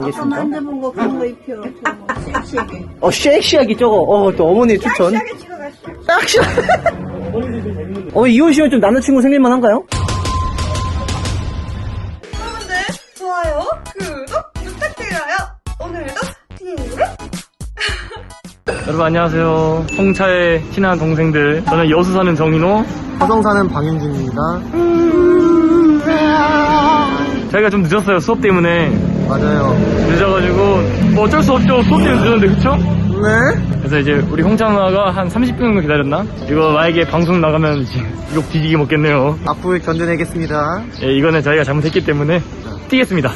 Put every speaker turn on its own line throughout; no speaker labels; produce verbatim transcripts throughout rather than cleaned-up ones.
아까 만져본 거 그런 거 입혀. 저거 섹시하게.
어, 섹시하게 저거. 어, 또 어머니 추천.
섹시하게 찍어갔어.
섹시. 어머니 이혼시면 좀 남자친구 생길만 한가요?
여러분들 좋아요, 구독 부탁드려요. 오늘도 친구를
여러분 안녕하세요. 홍차의 친한 동생들. 저는 여수 사는 정인호.
화성 사는 방윤진입니다.
저희가 좀 늦었어요. 수업 때문에.
맞아요.
늦어가지고 뭐 어쩔 수 없죠. 수업 때문에 늦었는데 그쵸?
네.
그래서 이제 우리 홍차 누나가 한 삼십 분 정도 기다렸나? 이거 만약에 방송 나가면 이제 욕 뒤지게 먹겠네요.
앞으로 견뎌내겠습니다.
예, 이거는 저희가 잘못했기 때문에 뛰겠습니다.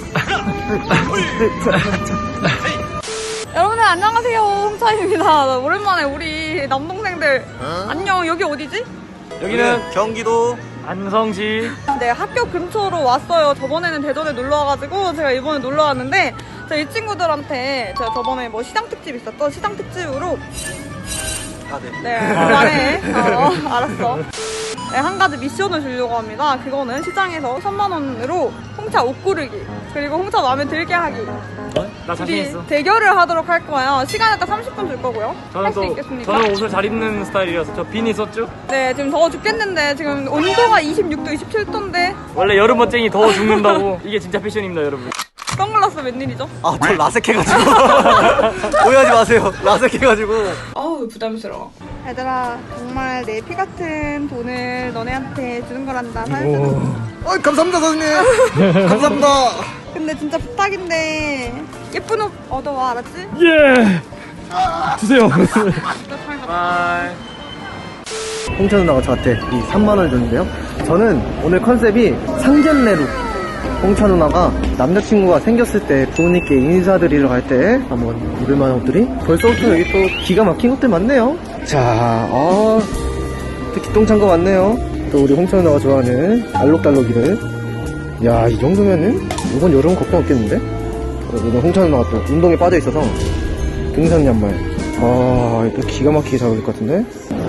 여러분들 안녕하세요, 홍차입니다. 오랜만에 우리 남동생들 안녕. 여기 어디지?
여기는
경기도
안성시.
네, 학교 근처로 왔어요. 저번에는 대전에 놀러 와가지고 제가 이번에 놀러 왔는데 제가 이 친구들한테 제가 저번에 뭐 시장 특집 있었던 시장 특집으로
아, 네.
네, 그만해. 어, 알았어. 네, 한 가지 미션을 주려고 합니다. 그거는 시장에서 삼만 원으로 홍차 옷 고르기, 그리고 홍차 마음에 들게 하기.
나 자신
우리
있어.
대결을 하도록 할 거예요. 시간에 딱 삼십 분 줄 거고요.
저는
할 수
또
있겠습니까?
저는 옷을 잘 입는 스타일이라서 저 빈 있었죠?
네, 지금 더워 죽겠는데 지금 온도가 이십육 도, 이십칠 도인데
원래 여름 멋쟁이 더워 죽는다고. 이게 진짜 패션입니다, 여러분.
선글라스 웬일이죠?
아, 저 라섹해가지고. 오해하지 마세요. 라섹해가지고.
어우, 부담스러워. 얘들아, 정말 내 피 같은 돈을 너네한테 주는 거란다. 사연자.
어, 감사합니다, 선생님. 감사합니다.
근데 진짜 부탁인데 예쁜 옷 얻어와, 알았지?
예! 주세요.
나
홍차 누나가 저한테 이 삼만 원을 줬는데요. 저는 오늘 컨셉이 상견례룩. 홍차 누나가 남자친구가 생겼을 때 부모님께 인사드리러 갈 때 한번 입을 만한 옷들이 벌써부터 여기 또 기가 막힌 것들 많네요. 자, 어, 특히 똥찬 거 많네요. 또 우리 홍차 누나가 좋아하는 알록달록이를. 야, 이 정도면은 이번 여름은 걱정 없겠는데? 오늘 홍차 누나가 또 운동에 빠져 있어서 등산 양말. 아, 또 기가 막히게 잘 어울릴 것 같은데?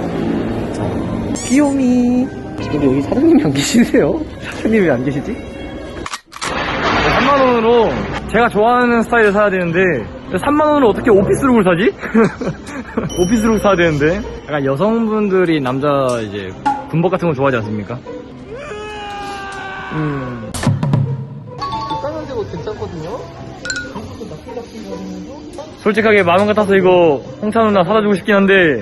귀요미. 근데 여기 사장님이 안 계시네요? 사장님이 왜 안 계시지?
삼만 원으로 제가 좋아하는 스타일을 사야 되는데 삼만 원으로 어떻게 오피스룩을 사지? 오피스룩 사야 되는데 약간 여성분들이 남자 이제 군복 같은 거 좋아하지 않습니까? 음.
비싼 데고 괜찮거든요?
솔직하게 마음 같아서 이거 홍차 누나 사다 주고 싶긴 한데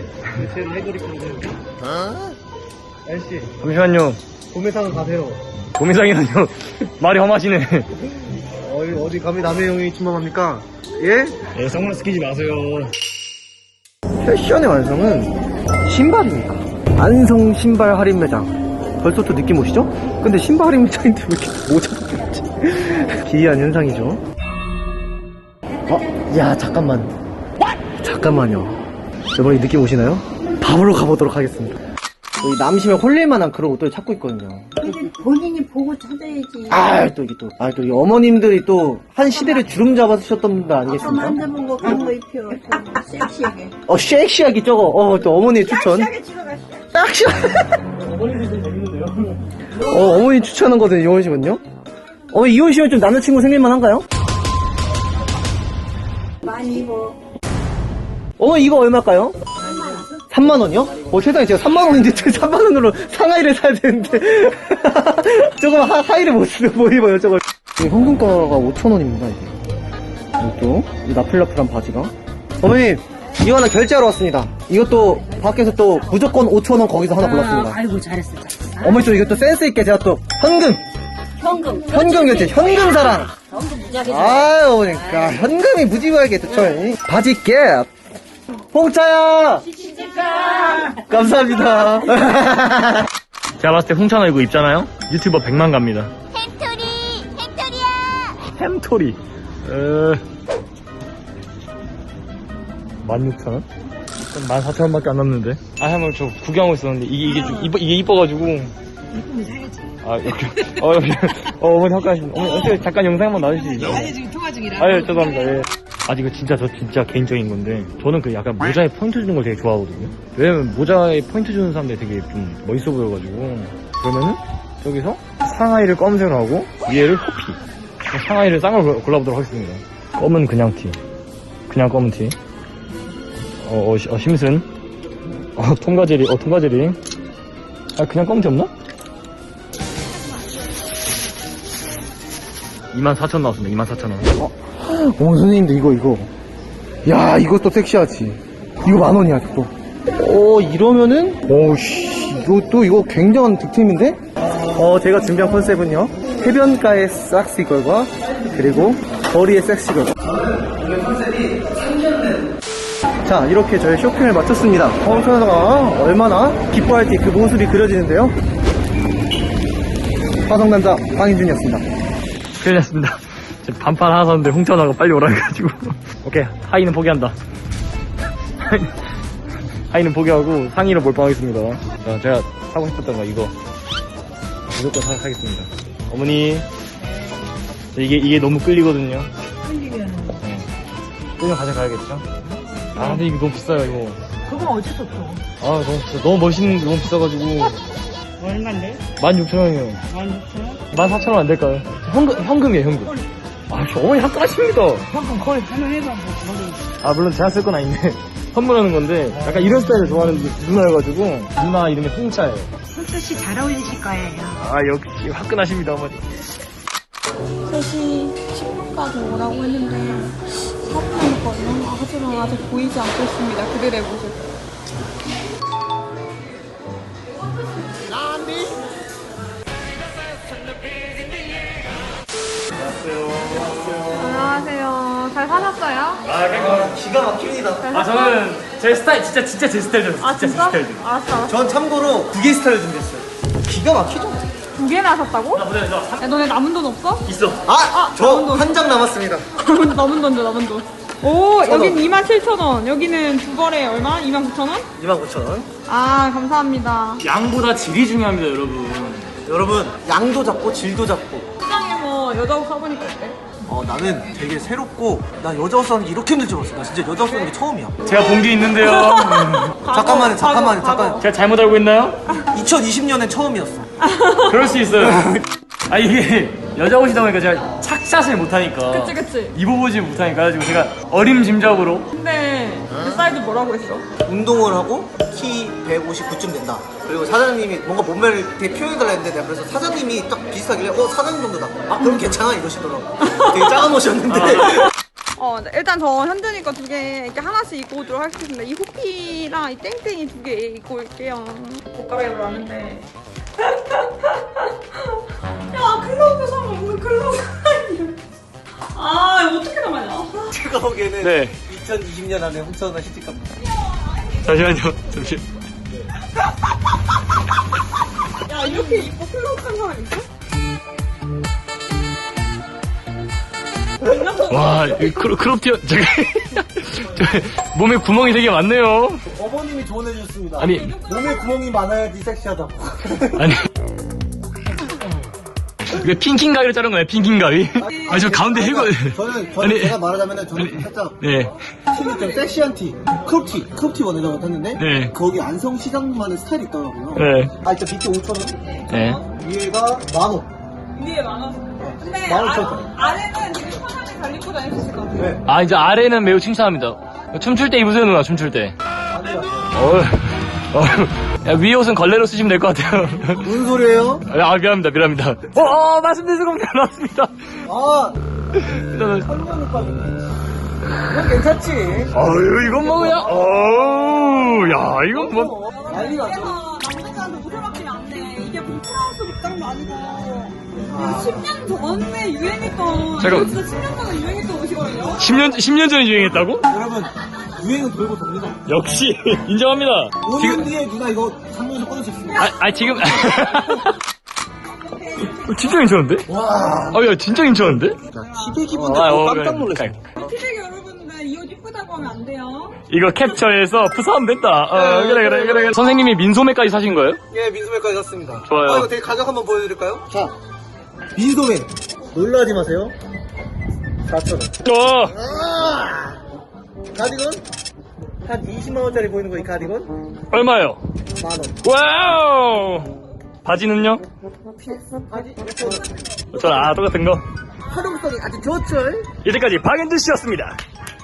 어? 아저씨,
잠시만요.
도매상 가세요.
도매상이라뇨. 말이 험하시네.
어디, 어디 감히 남의 형이 침범합니까? 예?
예, 선글라스 끼지 마세요.
패션의 완성은 신발입니까? 안성 신발 할인 매장. 벌써 또 느낌 오시죠? 근데 신발 할인 매장인데 왜 이렇게 모자가 없지? 기이한 현상이죠. 어? 야, 잠깐만. 잠깐만요. 여러분, 이 느낌 오시나요? 밥으로 가보도록 하겠습니다. 여기 남심에 홀릴만한 그런 옷들 찾고 있거든요.
근데 본인이 보고 찾아야지.
아, 또 이게 또, 아, 또 이 어머님들이 또 한 시대를 주름 잡아주셨던 분들
아까
아니겠습니까?
만져본 거 그런 거 입혀. 저거 섹시하게.
어, 섹시하게 저거, 어, 또 어머니의 추천.
섹시하게 찍어갔어.
섹시.
어머니들 좀 재밌는데요?
어, 어머니 추천하는 거든 이혼시면요? 어머니 이혼시면 좀 남자친구 생길만 한가요?
많이 입어.
어머니 이거 얼마일까요? 삼만 원이요? 어, 세상에 제가 삼만 원인데 삼만 원으로 상하이를 사야 되는데. 저거 하, 하이를 못, 쓰- 못 입어요, 저걸. 이게 현금가가 오천 원입니다, 이게. 이것도, 이 나플라플한 바지가. 어머니, 이거 하나 결제하러 왔습니다. 이것도 밖에서 또 무조건 오천 원 거기서 하나 골랐습니다.
아이고, 잘했어, 잘했어.
어머니 또 이것도 센스있게 제가 또 현금!
현금.
현금 결제, 현금 사랑!
현금 무지하게.
아유, 그러니까 현금이 무지하게 좋죠. 바지 갭. 홍차야. 감사합니다.
제가 봤을 때 홍차 누나 이거 입잖아요? 유튜버 백만 갑니다.
햄토리! 햄토리야!
햄토리. 어... 만 육천 원? 만 사천 원밖에 안 남는데. 아, 한번 저 구경하고 있었는데 이게 이게 좀 이뻐, 이게 이뻐가지고.
이쁘면 사야지.
아, 이렇게. 어, 이렇게. 어, 어머니 잠깐, 어머니 어떻게 잠깐 영상 한번 놔주시죠?
아니, 지금 통화 중이라.
아유, 죄송합니다. 예. 아, 이거 진짜 저 진짜 개인적인 건데 저는 그 약간 모자에 포인트 주는 걸 되게 좋아하거든요. 왜냐면 모자에 포인트 주는 사람들이 되게 좀 멋있어 보여가지고. 그러면은 여기서 상하이를 검은색으로 하고 위에를 호피. 상하이를 싼 걸 골라보도록 하겠습니다. 검은 그냥 티. 그냥 검은 티. 어, 어, 시- 어 심슨. 어, 통과제리. 어, 통과제리. 아, 그냥 검은 티 없나? 이만 사천 나왔습니다. 이만 사천 원.
어, 선생님들 이거 이거 야 이것도 섹시하지. 이거 만 원이야 또. 어 이러면은 오씨 이것도 이거 굉장한 득템인데. 어 제가 준비한 컨셉은요, 해변가의 싹시걸과 그리고 거리의 섹시걸. 오늘 컨셉이 상견례. 자 이렇게 저희 쇼핑을 마쳤습니다. 홍천아가 얼마나 기뻐할지 그 모습이 그려지는데요. 화성남자 황인준이었습니다.
큰일 났습니다. 지금 반팔 하나 샀는데 홍천아가 빨리 오라 해가지고. 오케이, 하의는 포기한다. 하의는 포기하고 상의로 몰빵하겠습니다. 자, 제가 사고 싶었던 거 이거 무조건 사, 사겠습니다. 어머니, 이게 이게 너무 끌리거든요.
끌리면
네. 끌면 가져가야겠죠? 아 근데 이거 너무 비싸요 이거.
그건 어쩔 수 없어.
아 너무 비싸. 너무 멋있는 너무 비싸가지고.
얼마인데?
만 육천 원이요.
만 육천 원?
만 사천 원 안 될까요? 현금 현금이에요 현금. 아 저 어머니 화끈하십니다.
방금 거의 하나 해봐. 뭐,
아 물론 제가 쓸 건 아닌데 선물하는 건데 약간 이런 스타일을 좋아하는 누나여가지고 누나 이름이 홍차예요.
홀수 씨 잘 어울리실 거예요.
아 역시 화끈하십니다 어머니.
세 시 십 분까지 오라고 했는데 사 분 남았거든요. 하지만 아직 보이지 않고 있습니다. 그들의 모습. 안녕하세요. 잘 사셨어요?
아
기가 막힙니다.
아 저는 제 스타일 진짜 진짜 제 스타일이었어요.
아 진짜? 알았어 알았어.
전 참고로 두 개 스타일 준비했어요. 기가 막히죠?
두 개나 하셨다고?
나 보자 저
야 너네 남은 돈 없어?
있어.
아! 저
남은 돈.
한 장 남았습니다.
남은, 남은 돈 줘, 남은 돈. 오,
천 원.
여긴 이만 칠천 원. 여기는 두 벌에 얼마? 이만 구천 원?
이만 구천 원.
아, 감사합니다.
양보다 질이 중요합니다 여러분.
여러분, 양도 잡고 질도 잡고.
시장에서 여자 옷 사보니까 어때?
어, 나는 되게 새롭고, 나 여자 옷 사는 게 이렇게 힘들 줄 알았어. 나 진짜 여자 옷 사는 게 처음이야.
제가 본 게 있는데요.
잠깐만요, 잠깐만요,
과거,
잠깐.
제가 잘못 알고 있나요?
이천이십 년엔 처음이었어.
그럴 수 있어요. 아 이게 여자 옷이다 보니까 제가 착샷을 못하니까
그치, 그치.
입어보지 못하니까 가지고 제가 어림짐작으로
근데 그 사이즈 뭐라고 했어?
운동을 하고 키 백오십구쯤 된다. 그리고 사장님이 뭔가 몸매를 되게 표현해달라 했는데 내가 그래서 사장님이 딱 비슷하길래 어 사장님 정도다. 아 그럼 괜찮아 이러시더라고. 되게 작은 옷이었는데.
어, 네, 일단 저 현준이 거 두 개 이렇게 하나씩 입고 오도록 하겠습니다. 이 호피랑 이 땡땡이 두 개 입고 올게요. 옷 갈아입으러 왔는데. 야, 클로브 사면 오늘 클로브 아, 이거 어떻게 나가냐?
제가 보기에는
네.
이천이십 년 안에 홍천아 시집갑니다.
잠시만요. 잠시.
야, 이렇게 입고 클로브 한 사람 있어?
와, 이 크롭, 크롭 티어, 저기, 저 몸에 구멍이 되게 많네요.
어머님이 조언해 주셨습니다.
아니,
몸에 구멍이 많아야지 섹시하다고.
아니. 이게 핑킹 가위로 자른 거예요, 핑킹 가위. 아, 저 가운데 해고.
저는, 저는
아니,
제가 말하자면 저는
아니,
살짝
네.
티는 좀 섹시한 티, 크롭티, 크롭티 원해다가 탔는데
네.
거기 안성시장만의 스타일이 있더라고요.
네.
아, 일단 밑에 오천 원,
네.
위에가 만 원.
위에 많아서. 근데
만 오천
아,
원.
아래는 되게 편하게 잘 입고 다닐 수 있을 것 같아요.
네.
아, 이제 아래는 매우 칭찬합니다. 춤출 때 입으세요, 누나, 춤출 때.
안 돼요.
어휴, 어휴. 야, 위에 옷은 걸레로 쓰시면 될 것 같아요.
무슨 소리예요?
아, 미안합니다, 미안합니다. 어, 어, 말씀드린 순간 나왔습니다.
아,
일단은,
성경 오빠. 이건 괜찮지.
어휴, 이건 뭐 그냥, 어우, 야, 이건 뭐.
난리 났죠.
그래서 남자들한테 옷을 맡기면 안 돼. 이게 봉프라우스 복장도 아니고. 이거 십 년 전에 유행했던.
잠깐.
이거 진짜 십 년 전에 유행했던 옷이거든요.
십 년, 십 년 전에 유행했다고?
여러분, 유행은 돌고 돕니다.
역시, 인정합니다.
오 년
지금,
뒤에 누나 이거 상무에서 꺼낼 수 있습니다.
아, 아, 지금. 진짜 괜찮은데?
와.
아, 야, 진짜 괜찮은데?
티백 입은데
아,
또
어,
깜짝
그래.
놀랐어요.
피백 여러분들 이 옷 이쁘다고 하면 안 돼요.
이거 캡처해서 푸사하면 됐다. 어,
네,
그래, 그래, 그래, 그래. 선생님이 민소매까지 사신 거예요?
예, 민소매까지 샀습니다.
좋아요.
아, 이거 되게 가격 한번 보여드릴까요? 자, 민소매. 놀라지 마세요. 사천 원.
어,
아! 가디건? 한 이십만 원짜리 보이는 거 이 가디건?
얼마요?
만 원.
와우! 바지는요?
바지?
저, 아, 똑같은 거.
활용성이 아주 좋죠.
이제까지 박앤드 씨였습니다.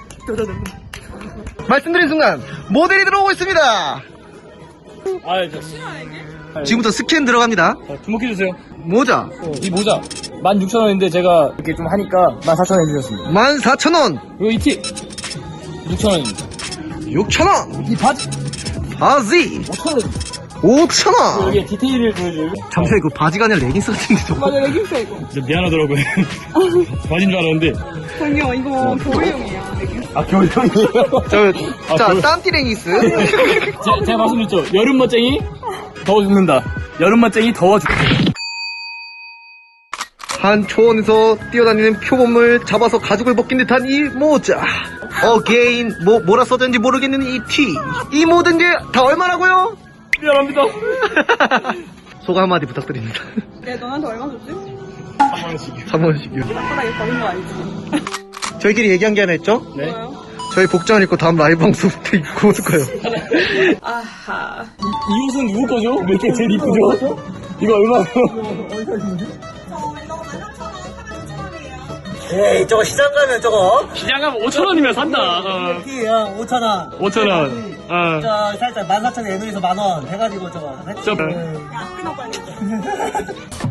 말씀드린 순간 모델이 들어오고 있습니다.
아, 저,
지금부터 스캔 들어갑니다.
자, 주목해주세요.
모자
이 모자 만 육천 원인데 제가 이렇게 좀 하니까 만 사천 원 해주셨습니다.
만 사천 원,
이거 이 티 육천 원입니다.
육천 원,
이 바지
바지
오천 원.
오천 원.
여기 디테일을 보여줘요.
잠시만, 이거 바지가 아니라 레깅스 같은데 저거.
맞아, 레깅스 이거.
진짜 미안하더라고요. 바지인 줄 알았는데.
저기요, 이거 겨울용이에요.
아, 겨울형이에요?
저,
아,
자,
겨울-
땀띠 레깅스.
제, 제가 말씀드렸죠. 여름 멋쟁이 더워 죽는다. 여름 멋쟁이 더워 죽.
한 초원에서 뛰어다니는 표범을 잡아서 가죽을 벗긴 듯한 이 모자. 어게인, 뭐, 뭐라 써졌는지 모르겠는 이 티. 이 모든 게 다 얼마라고요?
미안합니다.
소감 한마디 부탁드립니다.
야, 너한테 얼마 줬지?
한 원씩이요.
삼 원씩이요.
딱딱하게 버린 거 알지?
저희끼리 얘기한 게 하나 있죠?
네.
뭐요?
저희 복장을 입고 다음 라이브 방송부터 입고 올 거예요.
아하.
이 옷은 누구 거죠? 몇 개 제일 이쁘죠? 이거 얼마예요?
에이 저거 시장 가면 저거
시장 가면 오천 원이면 산다. 어.
키야 오천 원
오천 원. 어.
저 살짝 만 사천 원 에누에서 만 원 해가지고 저거
저,
야, 끊어 빨리.